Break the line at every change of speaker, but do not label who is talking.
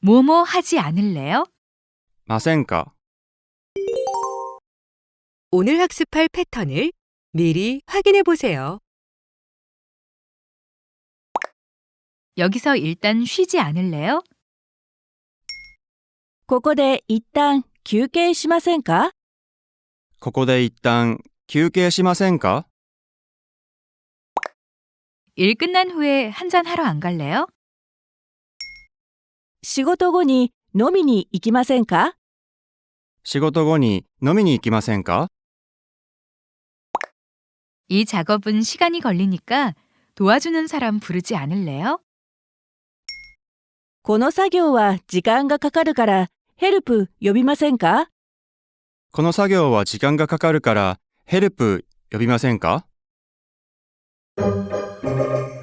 뭐뭐 하지 않을래요?
ませんか
오늘 학습할 패턴을 미리 확인해 보세요.
여기서 일단 쉬지 않을래요?
ここで一旦休憩しませんか？
ここで一旦休憩しませんか
일 끝난 후에 한잔 하러 안 갈래요?
仕事後に飲みに行きませんか？
仕事後に飲みに行きませんか
이 작업은 시간이 걸리니까 도와주는 사람 부르지 않을래요?
この作業は時間がかかるからヘルプ呼びませんか？
この作業は時間がかかるからヘルプ呼びませんか